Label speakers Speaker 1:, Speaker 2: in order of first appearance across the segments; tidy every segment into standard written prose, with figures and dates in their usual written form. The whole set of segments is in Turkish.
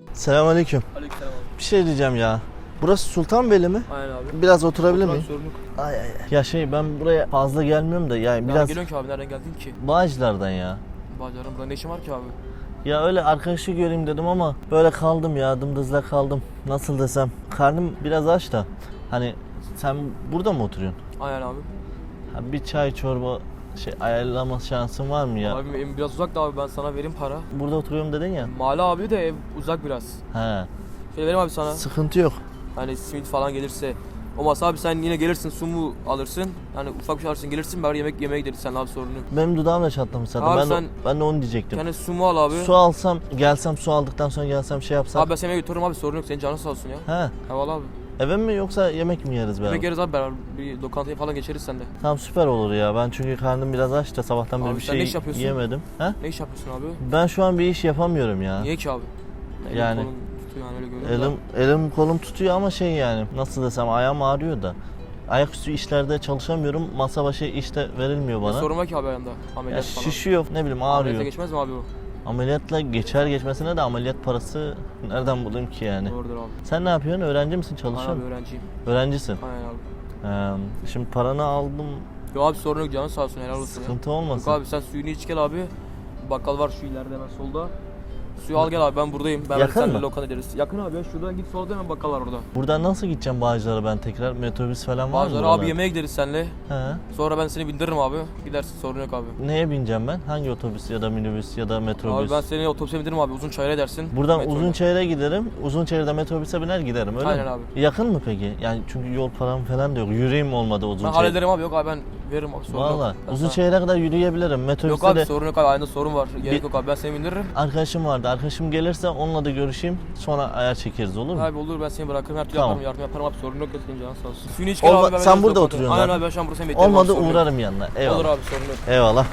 Speaker 1: Selamünaleyküm.
Speaker 2: Aleykümselam abi.
Speaker 1: Bir şey diyeceğim ya. Burası Sultanbeyli mi?
Speaker 2: Aynen abi.
Speaker 1: Biraz oturabilir
Speaker 2: Oturan
Speaker 1: miyim?
Speaker 2: sorunluk.
Speaker 1: Ay. Ya ben buraya fazla gelmiyorum da yani
Speaker 2: Nereden
Speaker 1: biraz
Speaker 2: geliyorsun ki abi? Nereden geldin ki?
Speaker 1: Bağcılar'dan ya.
Speaker 2: Bağcılar'ın burada ne işin var ki abi?
Speaker 1: Ya öyle arkadaşı göreyim dedim ama böyle kaldım ya, dımdızla kaldım. Nasıl desem, karnım biraz aç da. Hani sen burada mı oturuyorsun?
Speaker 2: Aynen abi.
Speaker 1: Ha, bir çay çorba ayarlama şansın var mı ya?
Speaker 2: Abi evim biraz uzak da abi, ben sana vereyim para.
Speaker 1: Burada oturuyorum dedin ya.
Speaker 2: Mahalle abi de ev uzak biraz.
Speaker 1: He.
Speaker 2: Şöyle vereyim abi sana.
Speaker 1: Sıkıntı yok.
Speaker 2: Hani simit falan gelirse. Olmazsa abi sen yine gelirsin, su mu alırsın? Hani ufak bir şey alırsın, gelirsin, bari yemek yemeye gideriz sen abi, sorun yok.
Speaker 1: Benim dudağım da çatlamış zaten.
Speaker 2: Abi
Speaker 1: Ben de onu diyecektim.
Speaker 2: Yani su mu al abi?
Speaker 1: Su alsam, gelsem su aldıktan sonra gelsem şey yapsam.
Speaker 2: Abi ben seni yemeğe götürürüm abi, sorun yok, senin canın sağ olsun ya.
Speaker 1: He.
Speaker 2: Eyvallah abi.
Speaker 1: Eve mi yoksa yemek mi yeriz beraber?
Speaker 2: Yemek yeriz abi beraber, bir lokantaya falan geçeriz sende.
Speaker 1: Tamam, süper olur ya. Ben çünkü karnım biraz aç da sabahtan beri
Speaker 2: Abi
Speaker 1: bir
Speaker 2: sen ne iş
Speaker 1: şey
Speaker 2: yapıyorsun?
Speaker 1: yemedim. He?
Speaker 2: Ne iş yapıyorsun abi?
Speaker 1: Ben şu an bir iş yapamıyorum ya.
Speaker 2: Niye ki abi? Elim
Speaker 1: Yani-
Speaker 2: kolum tutuyor yani, öyle görüyorum da.
Speaker 1: Elim kolum tutuyor ama yani nasıl desem, ayağım ağrıyor da. Ayaküstü işlerde çalışamıyorum. Masa başı işte verilmiyor
Speaker 2: Ne
Speaker 1: bana.
Speaker 2: sorun var ki abi ayağında?
Speaker 1: Ya
Speaker 2: Ameliyat falan.
Speaker 1: şişiyor, ne bileyim,
Speaker 2: Ameliyata
Speaker 1: ağrıyor.
Speaker 2: geçmez mi abi o?
Speaker 1: Ameliyatla geçer geçmesine de ameliyat parası nereden bulayım ki yani?
Speaker 2: Doğrudur abi.
Speaker 1: Sen ne yapıyorsun? Öğrenci misin? Çalışıyor
Speaker 2: Aynen abi,
Speaker 1: musun?
Speaker 2: öğrenciyim.
Speaker 1: Öğrencisin.
Speaker 2: Aynen abi.
Speaker 1: Şimdi paranı aldım.
Speaker 2: Yo abi, sorun yok, canın sağ olsun, helal olsun ya.
Speaker 1: Sıkıntı
Speaker 2: Yok
Speaker 1: olmasın.
Speaker 2: abi, sen suyunu iç gel abi. Bakkal var şu ileride hemen solda. Suyu al gel abi, ben buradayım. Ben
Speaker 1: Yakın
Speaker 2: seninle
Speaker 1: mı?
Speaker 2: lokanta ederiz. Yakın abi ya, şuradan git, solda hemen bakkal var orada.
Speaker 1: Buradan nasıl gideceğim Bağcılar'a ben tekrar? Metrobüs falan var mı?
Speaker 2: Bazıları
Speaker 1: buralarda?
Speaker 2: abi yemeğe gideriz seninle.
Speaker 1: He.
Speaker 2: Sonra ben seni bindiririm abi. Gidersin, sorun yok abi.
Speaker 1: Neye bineceğim ben? Hangi otobüs ya da minibüs ya da metrobüs?
Speaker 2: Abi ben seni otobüse bindiririm abi, uzun çayıra edersin.
Speaker 1: Buradan
Speaker 2: Metroyla.
Speaker 1: Uzunçayır'a giderim. Uzunçayır'da metrobüse biner giderim, öyle
Speaker 2: Aynen
Speaker 1: mi?
Speaker 2: abi.
Speaker 1: Yakın mı peki? Yani çünkü yol param falan da yok. Yüreğim olmadı
Speaker 2: Ben
Speaker 1: Uzunçayır.
Speaker 2: hallederim abi, yok abi ben veririm abi, sorun yok.
Speaker 1: Valla
Speaker 2: Ben
Speaker 1: Uzunçayır'a kadar yürüyebilirim.
Speaker 2: sana-
Speaker 1: Metrobüste
Speaker 2: Yok abi,
Speaker 1: de
Speaker 2: sorun yok abi, ayında sorun var. Gerek yok abi, ben seni bindiririm.
Speaker 1: arkadaşım vardı. Arkadaşım gelirse onunla da görüşeyim. Sonra ayar çekeriz, olur mu?
Speaker 2: Abi olur, ben seni bırakırım, her türlü
Speaker 1: Tamam.
Speaker 2: yaparım, yardım yaparım abi, sorun yok ya, senin canın sağ olsun. Suyunu iç gel
Speaker 1: Olma-
Speaker 2: abi, ben
Speaker 1: sen
Speaker 2: veririm
Speaker 1: burada
Speaker 2: lokantaya.
Speaker 1: oturuyorsun
Speaker 2: Aynen
Speaker 1: zaten.
Speaker 2: abi, ben şu an burada seni bekliyorum.
Speaker 1: Olmadı
Speaker 2: abi, sorun yok.
Speaker 1: uğrarım yanına. Eyvallah.
Speaker 2: Olur abi, sorun yok.
Speaker 1: Eyvallah.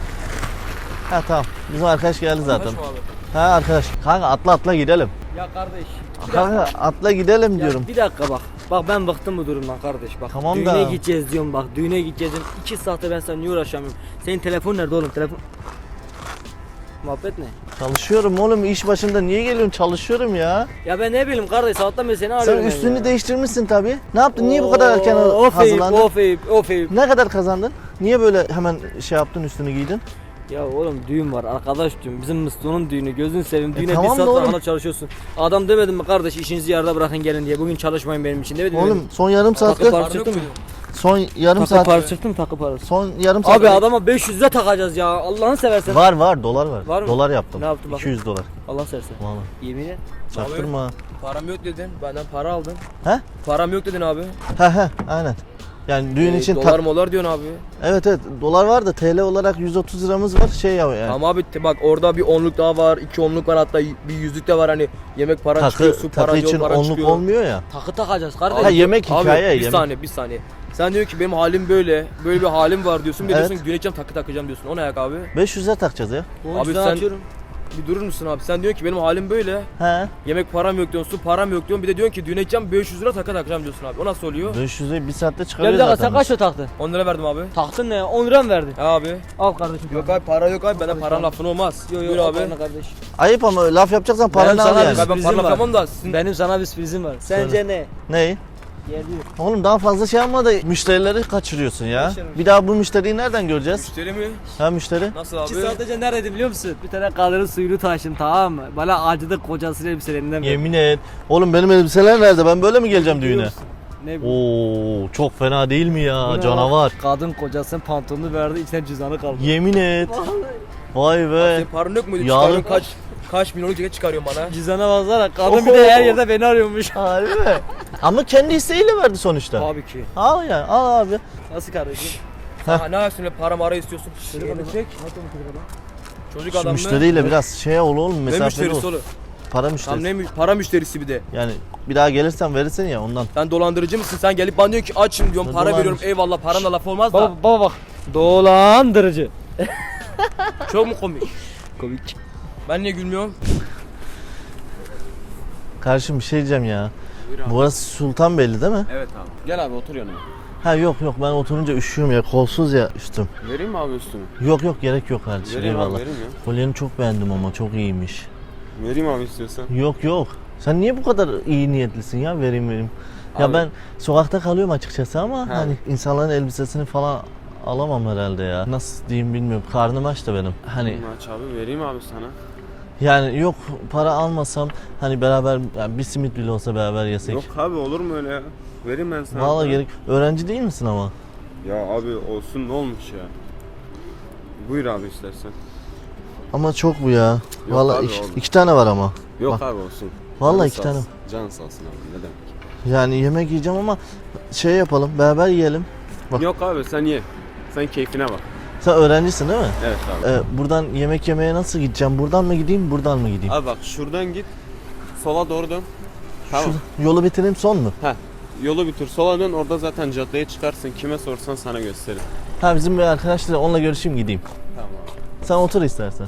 Speaker 1: Ha tamam. Bizim arkadaş geldi zaten.
Speaker 2: Anlaşma abi.
Speaker 1: Ha arkadaş. Kanka atla gidelim.
Speaker 3: Ya kardeş.
Speaker 1: Kanka atla gidelim diyorum.
Speaker 3: Bir dakika bak. Bak ben bıktım bu durumdan kardeş bak.
Speaker 1: Tamam
Speaker 3: düğüne
Speaker 1: da-
Speaker 3: gideceğiz diyorum bak. Düğüne gideceğiz diyorum. 2 saate ben seninle uğraşamıyorum. Senin telefon nerede oğlum? Telefon. Muhabbet ne?
Speaker 1: Çalışıyorum oğlum, iş başında niye geliyorsun? Çalışıyorum ya.
Speaker 3: Ya ben ne bileyim kardeş, sabahtan beri seni
Speaker 1: Sen
Speaker 3: arıyorum. ben
Speaker 1: üstünü
Speaker 3: ya.
Speaker 1: değiştirmişsin tabii. Ne yaptın? Niye bu kadar erken
Speaker 3: Of Eyüp,
Speaker 1: hazırlandın?
Speaker 3: of Eyüp.
Speaker 1: Ne kadar kazandın? Niye böyle hemen şey yaptın, üstünü giydin?
Speaker 3: Ya oğlum düğün var arkadaş düğün. Bizim Mıstık'ın düğünü. Gözünü seveyim. Düğüne
Speaker 1: tamam
Speaker 3: bir saat
Speaker 1: da oğlum.
Speaker 3: sonra çalışıyorsun. Adam demedim mi kardeş, işinizi yarıda bırakın gelin diye. Bugün çalışmayın benim için demedim mi?
Speaker 1: Oğlum son yarım
Speaker 3: Takı
Speaker 1: saatte
Speaker 3: parça çıktı mı?
Speaker 1: son yarım
Speaker 3: Takı
Speaker 1: saat
Speaker 3: parası çıktı mı, takı parası?
Speaker 1: son yarım saat
Speaker 3: Abi adama 500 lira takacağız ya. Allah'ını seversen.
Speaker 1: var dolar var.
Speaker 3: Var mı?
Speaker 1: Dolar yaptım.
Speaker 3: Ne yaptın bakayım?
Speaker 1: 200 dolar.
Speaker 3: Allah seversen.
Speaker 1: Vallahi.
Speaker 3: Yemin et.
Speaker 1: Çaktırma.
Speaker 2: Param yok dedin, benden para aldın.
Speaker 1: He?
Speaker 2: Param yok dedin abi.
Speaker 1: He aynen. Yani düğün için
Speaker 2: Dolar molar diyorsun abi.
Speaker 1: evet dolar var da TL olarak 130 liramız var yani.
Speaker 2: Ama abi bak, orada bir onluk daha var, 2 onluk var, hatta bir yüzlük de var, hani yemek paran çıkıyor, su paran,
Speaker 1: takı
Speaker 2: yol
Speaker 1: için
Speaker 2: paran
Speaker 1: onluk
Speaker 2: çıkıyor.
Speaker 1: olmuyor ya.
Speaker 3: Takı takacağız kardeş.
Speaker 1: Ha, yemek
Speaker 2: Abi
Speaker 1: hikaye
Speaker 2: bir
Speaker 1: yemek.
Speaker 2: saniye. Sen diyorsun ki benim halim böyle bir halim var diyorsun. Bir
Speaker 1: Evet.
Speaker 2: diyorsun güneşeceğim, takı takacağım diyorsun. O ne ayak abi?
Speaker 1: 500 lira takacağız ya.
Speaker 3: Bu
Speaker 2: Abi
Speaker 3: yüzden
Speaker 2: sen-
Speaker 3: atıyorum.
Speaker 2: Bir durur musun abi? Sen diyorsun ki benim halim böyle.
Speaker 1: He.
Speaker 2: Yemek param yok diyorsun, su param yok diyorsun. Bir de diyorsun ki düğüne gideceğim, 500 lira takı takacağım diyorsun abi. O nasıl oluyor?
Speaker 1: 500 lirayı bir saatte
Speaker 3: Ya
Speaker 1: çıkarıyor
Speaker 3: bir dakika,
Speaker 1: zaten.
Speaker 3: sen kaç lira taktın?
Speaker 2: 10 lira verdim abi.
Speaker 3: Taktın ne ya? 10 lira mı verdin?
Speaker 2: Ha abi.
Speaker 3: Al kardeşim.
Speaker 2: Yok abi, para yok abi. Benden paran lafın olmaz.
Speaker 3: Yok
Speaker 2: Buyur
Speaker 3: yok
Speaker 2: abi.
Speaker 3: abi. Kardeş.
Speaker 1: Ayıp ama laf yapacaksan
Speaker 3: Benim
Speaker 1: paranı al
Speaker 3: sana
Speaker 1: yani.
Speaker 3: bir-
Speaker 2: Ben
Speaker 3: Sürprizim
Speaker 2: para laf
Speaker 3: var.
Speaker 2: yapmam da sizin...
Speaker 3: Benim sana bir sürprizim var. Sence ne?
Speaker 1: Ney?
Speaker 3: Geliyor.
Speaker 1: Oğlum daha fazla şey yapma da müşterileri kaçırıyorsun ya.
Speaker 3: Kaçırmış.
Speaker 1: Bir daha bu müşteriyi nereden göreceğiz?
Speaker 2: Müşteri mi?
Speaker 1: Ha müşteri?
Speaker 2: Nasıl abi?
Speaker 3: 2 saat önce neredeydi biliyor musun? Bir tane kadının suyunu taşın, tamam mı? Bana acıdı, kocasının elbiselerinden verdi.
Speaker 1: Yemin et. Oğlum benim elbiseler nerede? Ben böyle mi geleceğim
Speaker 3: Biliyor
Speaker 1: düğüne?
Speaker 3: musun? Ne bu?
Speaker 1: Oo çok fena değil mi ya?
Speaker 3: Bu ne
Speaker 1: Canavar.
Speaker 3: lan? Kadın kocasının pantolonunu verdi, içine cüzdanı kaldı.
Speaker 1: Yemin et. Vay be.
Speaker 2: Senin paran yok muydu?
Speaker 1: Yağlı-
Speaker 2: Çıkarıyorsun kaç milyonluk ceket çıkarıyorsun bana.
Speaker 3: Cüzdana baksana, kadın bir de her yerde beni arıyormuş.
Speaker 1: Harbi mi? Ama kendi isteğiyle verdi sonuçta.
Speaker 3: Tabii ki.
Speaker 1: Al ya, al abi.
Speaker 3: Nasıl kardeşim?
Speaker 2: Ha, ne yapıyorsun öyle para mara istiyorsun? Çocuk adam çek. Çocuk adam mı?
Speaker 1: Müşteriyle biraz şey ol oğlum,
Speaker 2: Ne
Speaker 1: mesafeli
Speaker 2: müşterisi
Speaker 1: ol.
Speaker 2: oğlum?
Speaker 1: Para
Speaker 2: Tam
Speaker 1: müşterisi.
Speaker 2: ne para müşterisi bir de.
Speaker 1: Yani bir daha gelirsen verirsin ya ondan.
Speaker 2: Sen dolandırıcı mısın? Sen gelip bana diyorsun ki açım diyorum,
Speaker 1: Ne
Speaker 2: para veriyorum,
Speaker 1: dolandırıcı?
Speaker 2: eyvallah, paranla laf olmaz da.
Speaker 3: Baba bak. Dolandırıcı.
Speaker 2: Çok mu komik?
Speaker 3: Komik.
Speaker 2: Ben niye gülmüyorum?
Speaker 1: Karşım bir şey diyeceğim ya. Burası Sultanbeyli değil mi?
Speaker 4: Evet abi. Gel abi otur yanıma.
Speaker 1: Ha yok ben oturunca üşüyorum ya, kolsuz ya üstüm.
Speaker 4: Vereyim mi abi üstünü?
Speaker 1: Yok gerek yok kardeşim,
Speaker 4: Vereyim abi,
Speaker 1: eyvallah.
Speaker 4: vereyim ya.
Speaker 1: Kolyeni çok beğendim ama çok iyiymiş.
Speaker 4: Vereyim abi istiyorsan.
Speaker 1: Yok Sen niye bu kadar iyi niyetlisin ya vereyim. Ya
Speaker 4: Abi-
Speaker 1: ben sokakta kalıyorum açıkçası ama
Speaker 4: He.
Speaker 1: hani insanların elbisesini falan alamam herhalde ya. Nasıl diyeyim bilmiyorum. Karnım aç da benim. Hani
Speaker 4: Maç abi vereyim abi sana.
Speaker 1: yani yok para almasam hani beraber yani bir simit bile olsa beraber yesek.
Speaker 4: Yok abi olur mu öyle ya? Vereyim ben sana.
Speaker 1: Vallahi gerek. Öğrenci değil misin ama?
Speaker 4: Ya abi olsun ne olmuş ya. Buyur abi istersen.
Speaker 1: Ama çok bu ya. Vallahi
Speaker 4: abi,
Speaker 1: iki,
Speaker 4: oğlum.
Speaker 1: iki tane var ama.
Speaker 4: Yok
Speaker 1: Bak.
Speaker 4: abi olsun.
Speaker 1: Vallahi
Speaker 4: Canın
Speaker 1: iki
Speaker 4: sağ
Speaker 1: tane.
Speaker 4: olsun. Can sağ olsun abi ne demek.
Speaker 1: Yani yemek yiyeceğim ama şey yapalım beraber yiyelim. Bak.
Speaker 4: Yok abi sen ye. Sen keyfine bak.
Speaker 1: Sen öğrencisin değil mi?
Speaker 4: Evet abi.
Speaker 1: Buradan yemek yemeye nasıl gideceğim? Buradan mı gideyim, buradan mı gideyim?
Speaker 4: Abi bak şuradan git. Sola doğru dön. Tamam.
Speaker 1: Yolu bitireyim son mu?
Speaker 4: Heh. Yolu bitir. Sola dön. Orada zaten caddeye çıkarsın. Kime sorsan sana gösterir.
Speaker 1: Ha bizim bir arkadaşla onunla görüşeyim gideyim.
Speaker 4: Tamam.
Speaker 1: Sen otur istersen.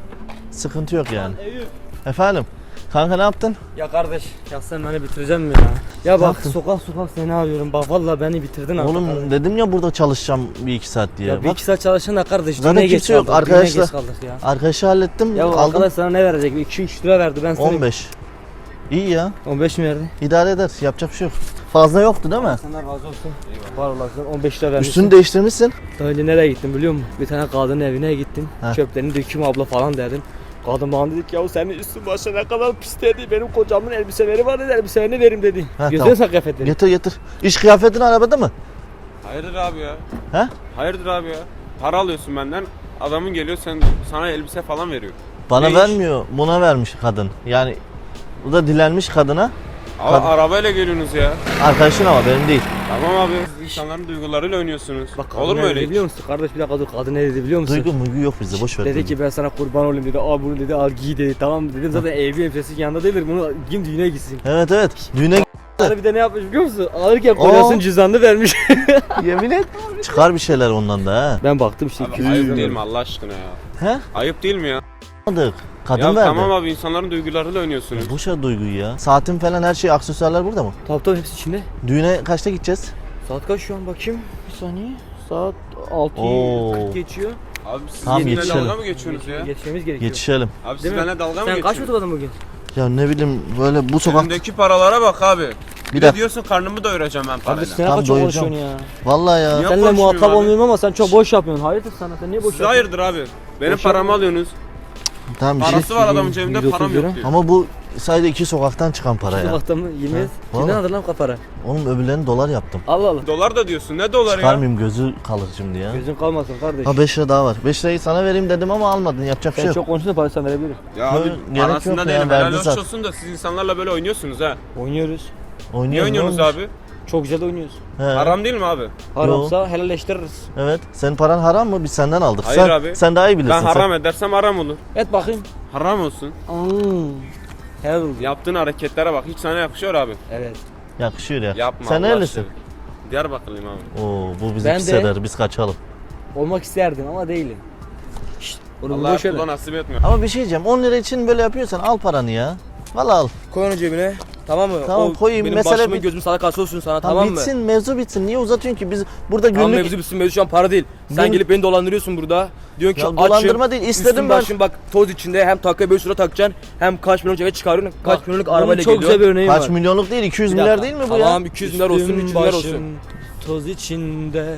Speaker 1: Sıkıntı yok yani. Efendim? Kanka ne yaptın?
Speaker 3: Ya kardeş ya sen beni bitireceksin mi ya? Ya bak
Speaker 1: yaptın?
Speaker 3: sokak seni arıyorum. Bak vallahi beni bitirdin abi.
Speaker 1: Oğlum dedim ya burada çalışacağım bir iki saat diye.
Speaker 3: Ya bir
Speaker 1: Bak
Speaker 3: iki saat çalışın da kardeş.
Speaker 1: Zaten
Speaker 3: düğüne geç
Speaker 1: kimse yok,
Speaker 3: kaldık, düğüne
Speaker 1: arkadaşlar.
Speaker 3: geç kaldık ya.
Speaker 1: arkadaşı hallettim.
Speaker 3: Ya
Speaker 1: aldım.
Speaker 3: arkadaş sana ne verecek? 2-3 lira verdi ben sana.
Speaker 1: 15. İyi ya.
Speaker 3: 15 mi verdi?
Speaker 1: İdare eder. Yapacak bir şey yok. Fazla yoktu değil mi?
Speaker 3: Senden razı olsun. Var olasın 15 lira vermişsin.
Speaker 1: Üstünü değiştirmişsin.
Speaker 3: Daha önce nereye gittim biliyor musun? Bir tane kadının evine gittim.
Speaker 1: Heh.
Speaker 3: Çöplerini döküm abla falan dedim. Kadın bana dedi ki ya senin üstün başına ne kadar pis dedi. Benim kocamın elbiseleri var dedi. Elbiselerini verim dedi.
Speaker 1: Ha,
Speaker 3: Gözüne
Speaker 1: tamam.
Speaker 3: sak kıyafetleri.
Speaker 1: Getir. İş kıyafetin arabada mı?
Speaker 4: Hayırdır abi ya?
Speaker 1: He?
Speaker 4: Hayırdır abi ya? Para alıyorsun benden. Adamın geliyor sana elbise falan veriyor.
Speaker 1: Bana
Speaker 4: Ne iş?
Speaker 1: vermiyor. Buna vermiş kadın. Yani bu da dilenmiş kadına.
Speaker 4: Abi
Speaker 1: Kadın-
Speaker 4: arabayla geliyorsunuz ya.
Speaker 1: Arkadaşın ama benim değil.
Speaker 4: Tamam abi. Siz insanların duygularıyla oynuyorsunuz.
Speaker 3: Bak kadın
Speaker 4: Olur mu
Speaker 3: ne
Speaker 4: öyle?
Speaker 3: dedi biliyor musun? Kardeş bir dakika dur kadın ne dedi biliyor musun?
Speaker 1: Duygu muygu yok bizde. Boş ver.
Speaker 3: Dedi
Speaker 1: duygu.
Speaker 3: ki ben sana kurban olayım dedi. Al bunu dedi al giy dedi. Tamam dedim zaten evli elbisesi yanında değildir. Bunu giyim düğüne gitsin.
Speaker 1: Evet. Düğüne
Speaker 3: Sonra bir de ne yapmış biliyor musun? Alırken kocasının cüzdanını vermiş.
Speaker 1: yemin et. Çıkar bir şeyler ondan da ha.
Speaker 3: Ben baktım işte
Speaker 4: Abi
Speaker 3: 200
Speaker 4: ayıp
Speaker 3: lira.
Speaker 4: değil mi Allah aşkına ya?
Speaker 1: He?
Speaker 4: Ayıp değil mi ya?
Speaker 1: Almadık. Kadın
Speaker 4: Ya
Speaker 1: verdi.
Speaker 4: tamam abi insanların duygularıyla oynuyorsunuz.
Speaker 1: Boş ver duyguyu ya. Saatin falan her şey aksesuarlar burada mı?
Speaker 3: Tabii hepsi içinde.
Speaker 1: Düğüne kaçta gideceğiz?
Speaker 3: Saat kaç şu an bakayım? Bir saniye. Saat
Speaker 1: Oo.
Speaker 3: 6:40 geçiyor.
Speaker 4: Abi siz
Speaker 1: Tamam,
Speaker 4: benimle
Speaker 1: yetişelim.
Speaker 4: dalga mı geçiyorsunuz ya?
Speaker 3: Yetişmemiz gerekiyor.
Speaker 1: Yetişelim.
Speaker 4: Abi siz
Speaker 3: Değil mi?
Speaker 4: benimle dalga mı
Speaker 3: Sen kaç
Speaker 4: geçiyorsunuz?
Speaker 3: fotoğrafın bugün?
Speaker 1: Ya ne bileyim böyle bu sokak...
Speaker 4: Elimdeki paralara bak abi. Bir de
Speaker 1: dakika.
Speaker 4: diyorsun karnımı doyuracağım ben
Speaker 3: Abi
Speaker 4: parayla.
Speaker 3: sen
Speaker 1: Tam
Speaker 3: kaç çok
Speaker 1: doyuracağım.
Speaker 3: konuşuyorsun ya.
Speaker 1: Vallahi ya.
Speaker 4: Yok,
Speaker 3: Seninle
Speaker 4: konuşmuyorum
Speaker 3: muhatap
Speaker 4: abi.
Speaker 3: olmuyorum ama sen çok boş yapıyorsun. Hayırdır sana sen niye boş
Speaker 4: Siz
Speaker 3: yapıyorsun?
Speaker 4: hayırdır abi? Benim
Speaker 3: Boş
Speaker 4: paramı
Speaker 3: yapma.
Speaker 4: alıyorsunuz.
Speaker 1: Tamam bir şey.
Speaker 4: Parası var adamın cebinde
Speaker 3: 130
Speaker 4: param
Speaker 3: lira.
Speaker 4: yok diyor.
Speaker 1: Ama bu sadece iki sokaktan çıkan para ya.
Speaker 3: Sokakta mı? Yemin et.
Speaker 1: Vallahi.
Speaker 3: Kimden aldın lan kapara?
Speaker 1: Oğlum öbürlerini dolar yaptım.
Speaker 3: Allah Allah.
Speaker 4: Dolar da diyorsun. Ne doları ya?
Speaker 1: Çıkarmayayım gözü kalır şimdi ya.
Speaker 3: Gözün kalmasın kardeş.
Speaker 1: Ha 5 lira daha var. 5 lirayı sana vereyim dedim ama almadın. Yapacak bir şey
Speaker 3: Sen
Speaker 1: yok.
Speaker 3: çok konuştun parayı sen verebilirim.
Speaker 4: Ya abi
Speaker 1: Yok, gerek
Speaker 4: arasında
Speaker 1: yok ya,
Speaker 4: değilim.
Speaker 1: verdi
Speaker 4: Helal hoş
Speaker 1: zaten.
Speaker 4: olsun da siz insanlarla böyle oynuyorsunuz ha.
Speaker 3: Oynuyoruz.
Speaker 4: Niye
Speaker 1: Oynuyoruz, ne
Speaker 4: oynuyorsunuz
Speaker 1: olmuş?
Speaker 4: abi?
Speaker 3: Çok güzel de oynuyoruz.
Speaker 1: He.
Speaker 4: Haram değil mi abi?
Speaker 3: Haramsa helalleştiririz.
Speaker 1: Evet. Senin paran haram mı? Biz senden aldık.
Speaker 4: Hayır
Speaker 1: sen,
Speaker 4: abi.
Speaker 1: Sen daha iyi bilirsin.
Speaker 4: Ben
Speaker 1: sen.
Speaker 4: haram edersem haram olur.
Speaker 3: Et bakayım.
Speaker 4: Haram olsun.
Speaker 3: Helal olsun.
Speaker 4: Yaptığın hareketlere bak. Hiç sana yakışıyor abi.
Speaker 3: Evet.
Speaker 1: Yakışıyor ya.
Speaker 4: Yapma
Speaker 1: Sen
Speaker 4: Allah
Speaker 1: nerelisin?
Speaker 4: aşkına. Diyarbakırlıyım abi.
Speaker 1: Oo bu bizi
Speaker 3: Ben
Speaker 1: pis
Speaker 3: de-
Speaker 1: eder. Biz kaçalım.
Speaker 3: Olmak isterdim ama değilim. Şşt. Oğlum
Speaker 4: Allah
Speaker 3: boş ver.
Speaker 4: kula nasip etmiyor.
Speaker 1: Ama bir şey diyeceğim. 10 lira için böyle yapıyorsan al paranı ya. Vallahi al.
Speaker 3: Koy onu cebine. Tamam mı?
Speaker 1: Tamam, koyayım.
Speaker 3: Benim
Speaker 1: Mesele
Speaker 3: başımın
Speaker 1: bit-
Speaker 3: gözüm sadakası olsun sana
Speaker 1: Tamam,
Speaker 3: tamam mı?
Speaker 1: bitsin mevzu bitsin. Niye uzatıyorsun ki? Biz burada
Speaker 3: Tamam
Speaker 1: günlük...
Speaker 3: mevzu bitsin mevzu şu an para değil. Sen
Speaker 1: Gün-
Speaker 3: gelip beni dolandırıyorsun burada. Diyorsun ki
Speaker 1: Ya
Speaker 3: açım.
Speaker 1: dolandırma değil, istedim
Speaker 3: üstüm
Speaker 1: ben.
Speaker 3: başım bak toz içinde hem takıya 5 lira takacaksın hem kaç milyonluk eve çıkarıyorsun. Kaç
Speaker 1: Bak,
Speaker 3: milyonluk
Speaker 1: bunun
Speaker 3: arabayla
Speaker 1: çok
Speaker 3: geliyor.
Speaker 1: güzel bir örneği Kaç milyonluk değil 200
Speaker 3: Bir
Speaker 1: milyar
Speaker 3: dakika.
Speaker 1: değil mi bu ya?
Speaker 3: Tamam 200 milyar olsun 300 milyar olsun.
Speaker 1: başım
Speaker 3: Toz içinde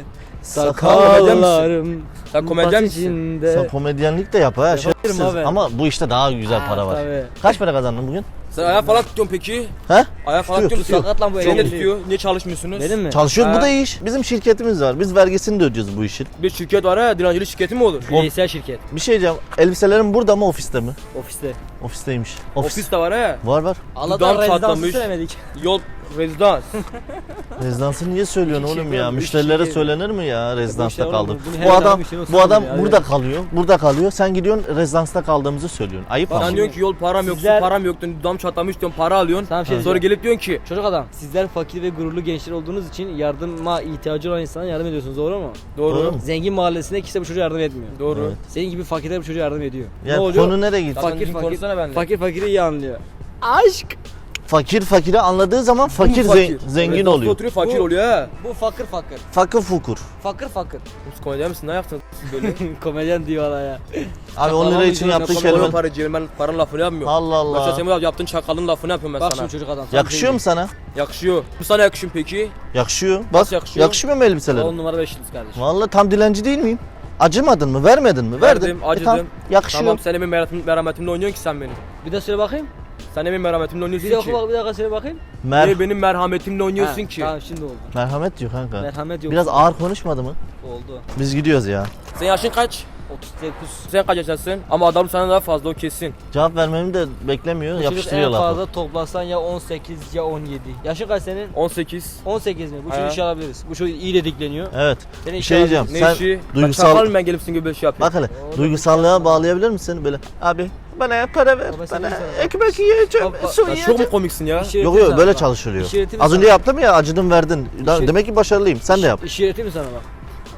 Speaker 1: sakallarım.
Speaker 3: Sen komedyen misin?
Speaker 1: Sen komedyenlik de yap ha.
Speaker 3: Yaparım
Speaker 1: şerefsiz.
Speaker 3: abi.
Speaker 1: Ama bu işte daha güzel para var.
Speaker 3: Tabii.
Speaker 1: Kaç para kazandın bugün?
Speaker 3: Sen ayağa falan tutuyorsun peki?
Speaker 1: He?
Speaker 3: Ayağa falan
Speaker 1: Tutuyor,
Speaker 3: tutuyorsun. Sakat lan bu
Speaker 1: Çok
Speaker 3: elini
Speaker 1: iyi.
Speaker 3: tutuyor. Niye çalışmıyorsunuz? Benim mi?
Speaker 1: Çalışıyoruz bu
Speaker 3: Ha.
Speaker 1: da iş. Bizim şirketimiz var. Biz vergisini de ödüyoruz bu işin.
Speaker 3: Bir şirket var ha, dilencilik şirketi mi olur? Bireysel şirket.
Speaker 1: Bir şey diyeceğim. Elbiselerin burada mı ofiste mi?
Speaker 3: Ofiste.
Speaker 1: Ofisteymiş.
Speaker 3: Ofis de var ha.
Speaker 1: Var var.
Speaker 3: Dudağım çatlamış. Yol rezidans.
Speaker 1: Rezidansı niye söylüyorsun
Speaker 3: İki
Speaker 1: oğlum
Speaker 3: şey
Speaker 1: ya?
Speaker 3: var,
Speaker 1: Müşterilere
Speaker 3: üç şey.
Speaker 1: söylenir mi ya rezidansta
Speaker 3: oğlum,
Speaker 1: kaldım?
Speaker 3: bunu her
Speaker 1: Bu
Speaker 3: zaman
Speaker 1: adam
Speaker 3: bir şey olsun
Speaker 1: bu adam
Speaker 3: ya,
Speaker 1: burada
Speaker 3: evet.
Speaker 1: kalıyor. Burada kalıyor. Sen gidiyorsun rezidansta kaldığımızı söylüyorsun. Ayıp ama.
Speaker 3: Sen diyorsun ki yol param yok, su
Speaker 5: Sizler-
Speaker 3: param yok diyorsun, dudağım çatlamış diyorsun, para alıyorsun.
Speaker 5: Sana bir şey
Speaker 3: Sonra gelip diyorsun ki
Speaker 5: Çocuk adam, sizler fakir ve gururlu gençler olduğunuz için yardıma ihtiyacı olan insana yardım ediyorsunuz, doğru mu?
Speaker 3: doğru.
Speaker 1: Doğru mu?
Speaker 5: Zengin mahallesinde kimse bu çocuğa yardım etmiyor.
Speaker 3: Doğru.
Speaker 1: Evet.
Speaker 5: Senin gibi fakirler bu çocuğa yardım ediyor.
Speaker 1: Ya
Speaker 5: ne oluyor?
Speaker 1: konu nereye gitti?
Speaker 3: Zaten
Speaker 5: Fakir
Speaker 3: düzgün
Speaker 5: fakir,
Speaker 3: konuşsana benimle.
Speaker 5: fakiri iyi anlıyor. Aşk.
Speaker 1: Fakir fakiri anladığı zaman fakir, zengin
Speaker 2: Rezidansda
Speaker 1: oluyor.
Speaker 2: oturuyor fakir oluyor ha.
Speaker 5: Bu fakir fakir.
Speaker 1: Fakir fukur.
Speaker 5: Fakir fakir.
Speaker 2: Siz komedyen misin? Ne yaptınız siz böyle?
Speaker 5: Komedyen diyor hala ya.
Speaker 1: Abi 10 lira için yaptığı
Speaker 2: Kelime.
Speaker 1: kelime.
Speaker 2: Paracığım ben paranın lafını yapmıyorum.
Speaker 1: Allah
Speaker 2: Mesela
Speaker 1: Allah.
Speaker 2: senin yaptığın çakalın lafını yapıyorum ben
Speaker 5: Bak
Speaker 2: sana.
Speaker 5: şimdi çocuk adam.
Speaker 1: Yakışıyor mu sana?
Speaker 2: Yakışıyor. Bu sana yakışıyor peki?
Speaker 1: Yakışıyor. Bak
Speaker 2: Nasıl yakışıyor?
Speaker 1: yakışmıyor mu elbiselerim?
Speaker 5: 10 numara 5 yıldız kardeşim.
Speaker 1: Vallahi tam dilenci değil miyim? Acımadın mı? Vermedin mi? Verdin.
Speaker 2: Verdim, acıdım.
Speaker 1: Tamam, yakışıyor.
Speaker 2: Tamam sen benim merhametimle oynuyorsun ki sen benim.
Speaker 5: Bir de söyle bakayım.
Speaker 2: Sen benim merhametimle oynuyorsun
Speaker 5: Bir de oku
Speaker 2: ki.
Speaker 5: bak bir dakika söyle bakayım.
Speaker 2: Niye benim merhametimle oynuyorsun
Speaker 5: Ha,
Speaker 2: ki?
Speaker 5: Tamam şimdi oldu.
Speaker 1: Merhamet diyor kanka.
Speaker 5: Merhamet yok.
Speaker 1: Biraz ağır konuşmadı mı?
Speaker 5: oldu.
Speaker 1: Biz gidiyoruz ya.
Speaker 2: Senin yaşın kaç?
Speaker 5: 39.
Speaker 2: Sen kaç yaşındasın? Ama adam sana daha fazla o kesin.
Speaker 1: Cevap vermemi de beklemiyor.
Speaker 5: Bu çocuk
Speaker 1: Yapıştırıyor
Speaker 5: en
Speaker 1: lafı.
Speaker 5: fazla toplasan ya 18 ya 17. Yaşın kaç senin?
Speaker 2: 18.
Speaker 5: 18 mi? Bu
Speaker 2: Ha.
Speaker 5: çocuğu işe alabiliriz. Bu çocuk iyi dedikleniyor.
Speaker 1: Evet.
Speaker 5: Seni
Speaker 1: Bir
Speaker 5: işe
Speaker 1: şey diyeceğim.
Speaker 2: Ne
Speaker 1: Sen
Speaker 2: işi?
Speaker 1: duygusal-
Speaker 2: Çakal mı ben gelip sizin gibi bir şey yapıyorum?
Speaker 1: bak hele. Duygusallığa bağlayabilir misin seni böyle? Abi bana para ver.
Speaker 5: Baba, sen
Speaker 1: Bana
Speaker 5: iyi sana.
Speaker 1: ekmek yiyeceğim.
Speaker 5: Baba,
Speaker 1: Su
Speaker 2: Lan çok
Speaker 1: yiyeceğim.
Speaker 2: mu komiksin ya?
Speaker 5: İş
Speaker 1: Yok
Speaker 5: öğreteyim
Speaker 1: yok
Speaker 5: sana
Speaker 1: böyle
Speaker 5: bak.
Speaker 1: çalışılıyor.
Speaker 5: İş öğreteyim
Speaker 1: Az
Speaker 5: sana.
Speaker 1: önce yaptım ya acıdım verdin.
Speaker 5: İş-
Speaker 1: Demek ki başarılıyım. Sen de yap.
Speaker 5: İş öğreteyim mi sana bak?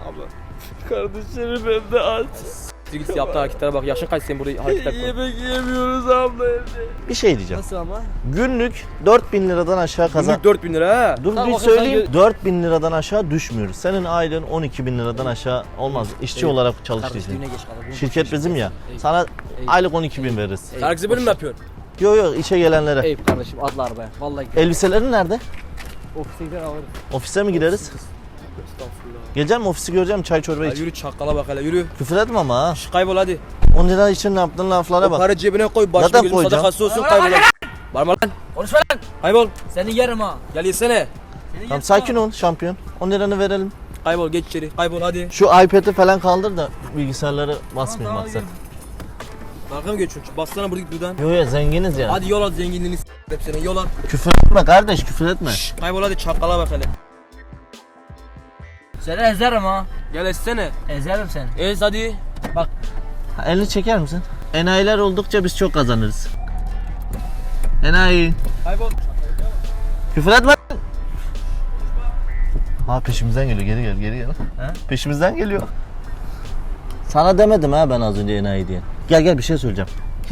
Speaker 2: Kardeşlerim ben de aç. Git yaptığı hareketlere bak. Yaşın kaç senin burada hareketler koy.
Speaker 5: Yemek yemiyoruz abla evde.
Speaker 1: Bir şey diyeceğim.
Speaker 5: Nasıl ama?
Speaker 1: Günlük 4.000 liradan aşağı kazan.
Speaker 2: Günlük 4000 lira ha.
Speaker 1: Dur
Speaker 5: Tamam,
Speaker 1: bir
Speaker 5: bakayım sen
Speaker 1: söyleyeyim. 4.000 liradan aşağı düşmüyoruz. Senin aylığın 12.000 liradan aşağı olmaz. İşçi
Speaker 5: Evet.
Speaker 1: olarak
Speaker 5: Kardeş
Speaker 1: çalıştıysın.
Speaker 5: düğüne geç kalır.
Speaker 1: Şirket bizim ya.
Speaker 5: Eyüp.
Speaker 1: Sana
Speaker 5: Eyüp.
Speaker 1: aylık 12.000 veririz.
Speaker 2: Herkese böyle mi yapıyorsun?
Speaker 1: Yok yok işe gelenlere.
Speaker 5: Eyüp kardeşim atla arabaya. Vallahi gidelim.
Speaker 1: Elbiselerin nerede?
Speaker 5: Ofise gider alırız.
Speaker 1: Ofise mi gideriz?
Speaker 2: Estağfurullah.
Speaker 1: Geleceğim mi ofisi göreceğim çay çorba
Speaker 2: Ya
Speaker 1: iç.
Speaker 2: yürü çakala bak hele yürü.
Speaker 1: Küfür etme ama ha.
Speaker 2: Şş, kaybol hadi.
Speaker 1: 10 lira için ne yaptığın laflara
Speaker 2: O
Speaker 1: bak.
Speaker 2: para cebine koy. Başım
Speaker 1: Zaten
Speaker 2: gözüm
Speaker 1: koyacağım.
Speaker 2: sadakası olsun kaybol hadi. Bağırma lan.
Speaker 5: Konuşma lan.
Speaker 2: Kaybol.
Speaker 5: Seni yerim ha.
Speaker 2: Gel yesene.
Speaker 1: Tamam sakin ol şampiyon. 10 liranı verelim.
Speaker 2: Kaybol geç içeri. Kaybol hadi.
Speaker 1: Şu iPad'i falan kaldır da bilgisayarları basmayayım
Speaker 5: Tamam,
Speaker 1: maksat.
Speaker 2: Dalga mı geçiyorsun? Bassana burada git buradan.
Speaker 1: Yok yok zenginiz ya.
Speaker 2: Hadi yol al zenginliğini hep senin yol al.
Speaker 1: Küfür etme kardeş küfür etme.
Speaker 2: Şş, kaybol hadi çakala bak hele.
Speaker 5: Seni ezerim ha.
Speaker 2: Gel etsene.
Speaker 5: Ezerim seni.
Speaker 2: Ez hadi.
Speaker 1: Ha, elini çeker misin? Enayiler oldukça biz çok kazanırız. Enayi.
Speaker 2: Kaybol.
Speaker 1: Küfür etme. Ha peşimizden geliyor geri gel. Peşimizden geliyor. Sana demedim ha ben az önce enayi diye. Gel bir şey söyleyeceğim.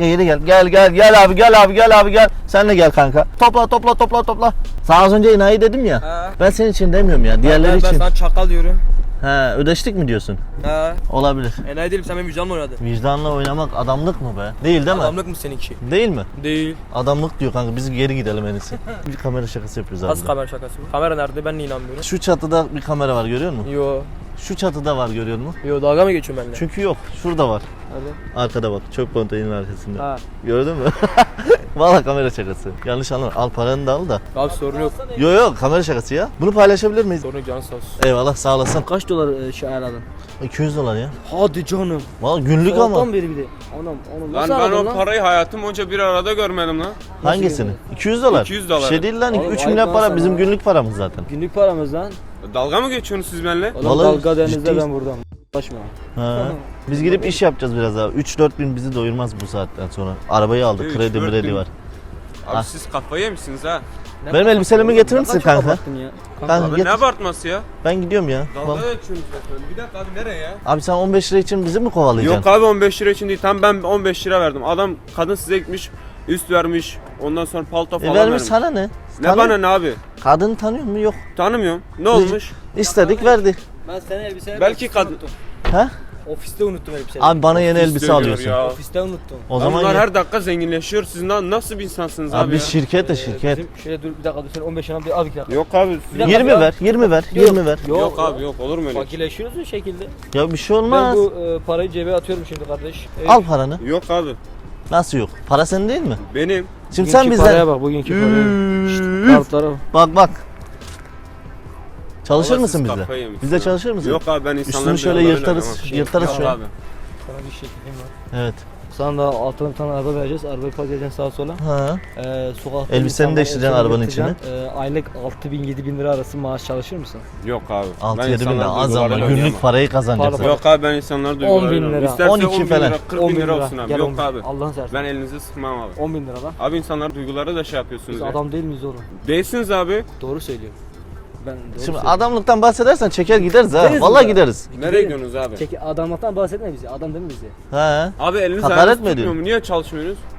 Speaker 1: Gel abi. Sen de gel kanka. Topla. Sana az önce enayi dedim ya.
Speaker 2: Ha.
Speaker 1: Ben senin için demiyorum ya. Diğerleri
Speaker 2: Ben
Speaker 1: için.
Speaker 2: sana çakal diyorum.
Speaker 1: He ödeştik mi diyorsun?
Speaker 2: Ha.
Speaker 1: Olabilir.
Speaker 2: Enayi değilim sen benim vicdanla oynadın.
Speaker 1: Vicdanla oynamak adamlık mı be? Değil değil mi?
Speaker 2: Adamlık mı seninki?
Speaker 1: Değil mi?
Speaker 2: Değil.
Speaker 1: Adamlık diyor kanka biz geri gidelim en iyisi. Bir kamera şakası yapıyoruz abi.
Speaker 2: Nasıl kamera şakası mı? Kamera nerede? Ben niye inanmıyorum?
Speaker 1: Şu çatıda bir kamera var görüyor musun?
Speaker 2: Yo.
Speaker 1: Şu çatıda var görüyor musun?
Speaker 2: Yo dalga mı geçiyorsun benimle?
Speaker 1: Çünkü yok. Şurada var.
Speaker 2: Hadi.
Speaker 1: Arkada bak. Çöp konteynerin arkasında.
Speaker 2: Ha.
Speaker 1: Gördün mü? Valla kamera şakası. Yanlış anlama. Al paranı da al da.
Speaker 2: Abi sorun yok.
Speaker 1: Yok kamera şakası ya. Bunu paylaşabilir miyiz?
Speaker 2: Sorun yok canın sağ olsun.
Speaker 1: Eyvallah sağ olasın.
Speaker 5: Kaç dolar şey ayarladın?
Speaker 1: 200 dolar ya.
Speaker 5: Hadi canım.
Speaker 1: Valla günlük ama.
Speaker 5: Sabahtan beri bir de. Anam onu
Speaker 4: Lan
Speaker 5: nasıl
Speaker 4: ben
Speaker 5: aradın
Speaker 4: o
Speaker 5: lan?
Speaker 4: parayı hayatım boyunca bir arada görmedim lan.
Speaker 1: Hangisini? 200 dolar.
Speaker 4: 200 dolar.
Speaker 1: Bir şey değil lan.
Speaker 5: Oğlum,
Speaker 1: 3
Speaker 5: ayıp
Speaker 1: milyar
Speaker 5: lan
Speaker 1: para
Speaker 5: sana.
Speaker 1: bizim günlük paramız zaten.
Speaker 5: Günlük paramız lan.
Speaker 4: Dalga mı geçiyorsunuz siz benimle?
Speaker 5: Oğlum
Speaker 1: Vallahi
Speaker 5: dalga denizde
Speaker 1: ciddiyiz.
Speaker 5: ben buradan. Başma.
Speaker 1: Ha. Biz gidip iş yapacağız biraz daha. 3-4 bin bizi doyurmaz bu saatten sonra. Arabayı aldık.
Speaker 4: 3-4
Speaker 1: Kredi mredi
Speaker 4: bin.
Speaker 1: var.
Speaker 4: Abi
Speaker 1: Ah.
Speaker 4: siz kafayı yemişsiniz ha.
Speaker 1: Benim elbiselerimi getirir misin
Speaker 5: Kaç
Speaker 1: kanka?
Speaker 5: abarttın ya?
Speaker 1: Kanka
Speaker 4: Abi
Speaker 1: getir.
Speaker 4: ne abartması ya?
Speaker 1: Ben gidiyorum ya.
Speaker 4: Dalga
Speaker 1: Vallahi.
Speaker 4: geçiyorsunuz zaten. Bir dakika abi nereye ya?
Speaker 1: Abi sen 15 lira için bizi mi kovalayacaksın?
Speaker 4: Yok abi 15 lira için değil. Tam ben 15 lira verdim. Adam kadın size gitmiş, üst vermiş. Ondan sonra palto falan
Speaker 1: Vermiş
Speaker 4: vermiş.
Speaker 1: sana ne?
Speaker 4: Ne bana ne abi?
Speaker 1: Kadını tanıyor mu? Yok.
Speaker 4: Tanımıyorum. Ne olmuş?
Speaker 1: İstedik verdi.
Speaker 5: Ben seni elbiseleri
Speaker 4: Belki
Speaker 5: ofiste
Speaker 4: kadın-
Speaker 5: unuttum.
Speaker 1: Ha?
Speaker 5: Ofiste unuttum elbiseleri.
Speaker 1: Abi bana yeni elbise
Speaker 4: İstiyor
Speaker 1: alıyorsun.
Speaker 4: ya.
Speaker 5: Ofiste unuttum.
Speaker 1: O
Speaker 4: Lan
Speaker 1: zaman
Speaker 4: bunlar
Speaker 1: ye-
Speaker 4: her dakika zenginleşiyor. Siz nasıl bir insansınız abi,
Speaker 1: abi biz
Speaker 4: ya?
Speaker 1: şirket de şirket.
Speaker 5: Bizim şöyle dur bir dakika dur sen 15 yana bir al bir dakika.
Speaker 4: Yok abi.
Speaker 5: Bir dakika
Speaker 1: 20
Speaker 5: ya.
Speaker 1: ver, 20 ver, 20 ver.
Speaker 4: Yok abi yok olur mu öyle?
Speaker 5: Fakirleşiyoruz bu şekilde.
Speaker 1: Ya bir şey
Speaker 5: Ben
Speaker 1: olmaz.
Speaker 5: bu parayı cebe atıyorum şimdi kardeş.
Speaker 1: Al paranı.
Speaker 4: Yok abi.
Speaker 1: Nasıl yok? Para senin değil mi?
Speaker 4: Benim.
Speaker 1: Şimdi sen
Speaker 5: Bugünkü paraya
Speaker 1: bizden...
Speaker 5: bak bugünkü paraya. Şşt,
Speaker 1: Üf.
Speaker 5: kartlara bak.
Speaker 1: Bak. Çalışır
Speaker 4: Vallahi
Speaker 1: mısın
Speaker 4: siz
Speaker 1: bizde?
Speaker 4: kafayı yemişsiniz
Speaker 1: Bizde
Speaker 4: ya.
Speaker 1: çalışır mısın?
Speaker 4: Yok abi ben insanların
Speaker 1: Üstünü şöyle
Speaker 4: duygularıyla
Speaker 1: yırtarız,
Speaker 4: oynamam.
Speaker 1: yırtarız
Speaker 4: Yok
Speaker 1: şöyle.
Speaker 4: abi.
Speaker 5: Sana bir şekilde var.
Speaker 1: Evet.
Speaker 5: Sana da altına bir tane araba vereceğiz. Arabayı park edeceksin sağa sola.
Speaker 1: Ha.
Speaker 5: Sokakta
Speaker 1: Elbiseni
Speaker 5: insanlar
Speaker 1: değiştireceksin
Speaker 5: elbiseni
Speaker 1: arabanın
Speaker 5: getireceksin. Aylık 6.000-7.000 lira arası maaş çalışır mısın?
Speaker 4: Yok abi.
Speaker 1: 6-7 bin
Speaker 4: insanların
Speaker 1: lira az ama
Speaker 4: duygularıyla
Speaker 1: günlük
Speaker 4: oynayamam.
Speaker 1: parayı kazanacaksın.
Speaker 5: Pardon.
Speaker 4: Yok abi ben insanların
Speaker 5: 10.000
Speaker 4: duygularıyla
Speaker 5: lira.
Speaker 4: oynamam. İsterse
Speaker 1: 12
Speaker 4: 10 bin
Speaker 1: falan.
Speaker 4: lira, 40 bin lira olsun abi.
Speaker 5: Gel
Speaker 4: Yok
Speaker 5: 10 bin.
Speaker 4: abi.
Speaker 5: Allah'ın seversen.
Speaker 4: Ben elinizi sıkmam abi.
Speaker 5: 10.000 lira lan.
Speaker 4: Abi insanlar duyguları da şey yapıyorsunuz
Speaker 5: Biz
Speaker 4: ya.
Speaker 5: adam değil miyiz oğlum?
Speaker 4: Değilsiniz abi.
Speaker 5: Doğru söylüyorum. Ben doğru
Speaker 1: Şimdi
Speaker 5: söylüyorum.
Speaker 1: adamlıktan bahsedersen çeker gideriz ha.
Speaker 5: Gideriz
Speaker 1: Vallahi
Speaker 5: mi?
Speaker 1: gideriz.
Speaker 4: Nereye gidiyorsunuz abi?
Speaker 5: Adamlıktan bahsetme bize. Adam değil mi bize?
Speaker 1: Ha.
Speaker 4: Abi eliniz
Speaker 1: Hakaret
Speaker 4: ayağınız
Speaker 1: mi
Speaker 4: tutmuyor
Speaker 1: ediyorsun?
Speaker 4: mu? Niye çalışmıyorsunuz?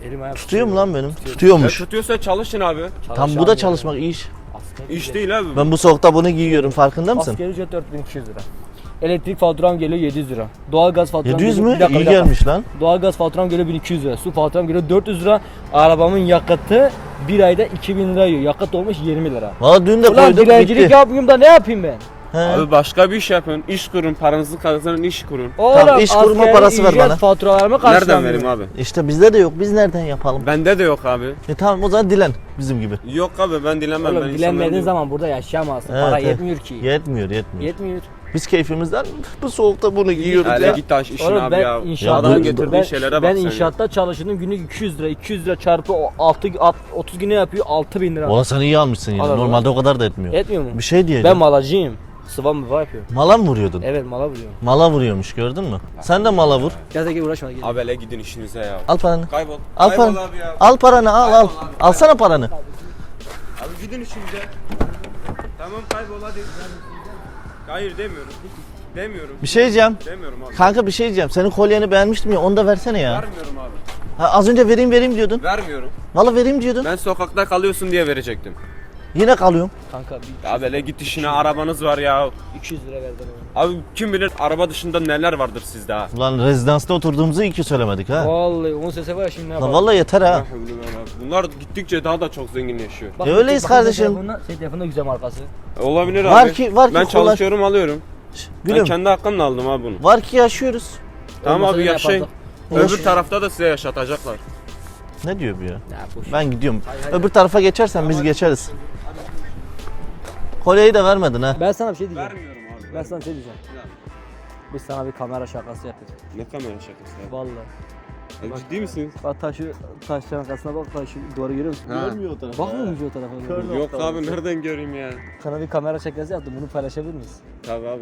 Speaker 3: Elim ayağım
Speaker 1: Tutuyor mu lan benim?
Speaker 4: Ya
Speaker 1: Tutuyormuş.
Speaker 4: tutuyorsa çalışın abi.
Speaker 1: Tam bu da çalışmak iş.
Speaker 4: İş değil abi.
Speaker 1: Ben bu soğukta bunu giyiyorum farkında mısın?
Speaker 3: Asgari ücret 4200 lira. Elektrik faturam geliyor 700 lira. Doğalgaz faturam
Speaker 1: 700
Speaker 3: geliyor.
Speaker 1: mü?
Speaker 3: Bir dakika,
Speaker 1: İyi
Speaker 3: bir dakika.
Speaker 1: gelmiş lan.
Speaker 3: Doğalgaz faturam geliyor 1200 lira. Su faturam geliyor 400 lira. Arabamın yakıtı bir ayda 2000 lira yiyor. Yakıt olmuş 20 lira.
Speaker 1: Valla dün de
Speaker 3: Ulan
Speaker 1: koyduk
Speaker 3: dilencilik
Speaker 1: bitti.
Speaker 3: yapmayayım da ne yapayım ben?
Speaker 1: He.
Speaker 4: Abi başka bir iş yapın. İş kurun. Paranızı kazanın, iş kurun.
Speaker 3: Oğlum
Speaker 1: iş kurma
Speaker 3: asgari
Speaker 1: parası ver
Speaker 3: ücret
Speaker 1: bana.
Speaker 3: faturalarımı
Speaker 4: Nereden
Speaker 3: karşılamıyorum.
Speaker 4: vereyim abi?
Speaker 1: İşte bizde de yok. Biz nereden yapalım?
Speaker 4: Bende de yok abi.
Speaker 1: Tamam o zaman dilen bizim gibi.
Speaker 4: Yok abi ben dilemem.
Speaker 3: Oğlum
Speaker 4: ben
Speaker 3: dilenmediğin
Speaker 4: insanlarım
Speaker 3: zaman burada yaşayamazsın.
Speaker 1: Evet,
Speaker 3: Para
Speaker 1: evet.
Speaker 3: yetmiyor ki.
Speaker 1: Yetmiyor.
Speaker 3: Yetmiyor.
Speaker 1: Biz keyfimizden bu soğukta bunu giyiyoruz
Speaker 4: Hele
Speaker 1: ya.
Speaker 4: git taş işin
Speaker 3: Oğlum
Speaker 4: abi
Speaker 3: ben
Speaker 4: ya.
Speaker 3: inşaatta
Speaker 4: Adamın
Speaker 1: dur,
Speaker 4: getirdiği
Speaker 3: ben,
Speaker 4: şeylere bak
Speaker 3: ben
Speaker 4: sen ya.
Speaker 3: inşaatta çalıştığım günlük 200 lira. 200 lira çarpı 30 güne yapıyor 6000 lira.
Speaker 1: Valla sen iyi almışsın yine.
Speaker 3: Alır,
Speaker 1: Normalde o kadar da etmiyor.
Speaker 3: Etmiyor mu?
Speaker 1: Bir şey diyeceğim.
Speaker 3: Ben malacıyım. Sıvam mı yapıyor?
Speaker 1: Mala mı vuruyordun?
Speaker 3: Evet mala vuruyorum.
Speaker 1: Mala vuruyormuş gördün mü? Sen de mala vur.
Speaker 3: Gel de gel uğraşma gel.
Speaker 4: Abi hele gidin işinize ya.
Speaker 1: Al paranı.
Speaker 4: Kaybol.
Speaker 1: Al
Speaker 4: Kaybol
Speaker 1: paranı.
Speaker 4: abi ya.
Speaker 1: Al paranı al. Alsana paranı.
Speaker 4: Abi gidin işinize. Tamam kaybol hadi. Hayır demiyorum. Demiyorum.
Speaker 1: Bir şey diyeceğim.
Speaker 4: Demiyorum abi.
Speaker 1: Kanka bir şey diyeceğim. Senin kolyeni beğenmiştim ya onu da versene ya.
Speaker 4: Vermiyorum abi.
Speaker 1: Ha, az önce vereyim diyordun.
Speaker 4: Vermiyorum.
Speaker 1: Valla vereyim diyordun.
Speaker 4: Ben sokakta kalıyorsun diye verecektim.
Speaker 1: Yine kalıyorum.
Speaker 3: Kanka bir
Speaker 4: Abi hele git işine arabanız var ya.
Speaker 3: 200 lira verdim ona.
Speaker 4: Abi kim bilir araba dışında neler vardır sizde ha.
Speaker 1: Ulan rezidansta oturduğumuzu iyi ki söylemedik ha.
Speaker 3: Vallahi onun sesi var ya şimdi ne
Speaker 1: Lan
Speaker 3: yapalım?
Speaker 1: valla yeter ha.
Speaker 4: Bunlar gittikçe daha da çok zenginleşiyor.
Speaker 3: Bak,
Speaker 1: öyleyiz
Speaker 3: bak,
Speaker 1: kardeşim.
Speaker 3: Senin telefonda güzel markası.
Speaker 4: Olabilir
Speaker 1: Var
Speaker 4: abi.
Speaker 1: ki- var ki
Speaker 4: ben
Speaker 1: kullan-
Speaker 4: çalışıyorum alıyorum. Ben
Speaker 1: Gülüm
Speaker 4: kendi hakkımla aldım abi bunu.
Speaker 1: var ki yaşıyoruz.
Speaker 4: Tamam
Speaker 3: Olmasa
Speaker 4: abi
Speaker 3: ne
Speaker 4: yaşayın.
Speaker 3: yapardık?
Speaker 4: Öbür tarafta da size yaşatacaklar.
Speaker 1: Ne diyor bu ya?
Speaker 3: Ya boş.
Speaker 1: Ben gidiyorum.
Speaker 3: Hayır.
Speaker 1: Öbür tarafa geçersen biz geçeriz. Kolyeyi de vermedin ha.
Speaker 3: Ben sana bir şey diyeceğim.
Speaker 4: Vermiyorum abi.
Speaker 3: Ben sana bir şey diyeceğim. Biz sana bir kamera şakası yapacağız.
Speaker 4: Ne kamera şakası abi?
Speaker 3: Vallahi.
Speaker 4: Ya ciddi misiniz?
Speaker 3: Bak taşların arkasına bak taşı duvarı görüyor musun?
Speaker 4: Ha.
Speaker 1: o tarafa.
Speaker 3: Bakmıyor musun o tarafa?
Speaker 1: Kör.
Speaker 4: Yok abi nereden göreyim ya?
Speaker 3: Sana bir kamera şakası yaptım bunu paylaşabilir miyiz?
Speaker 4: Tabii abi.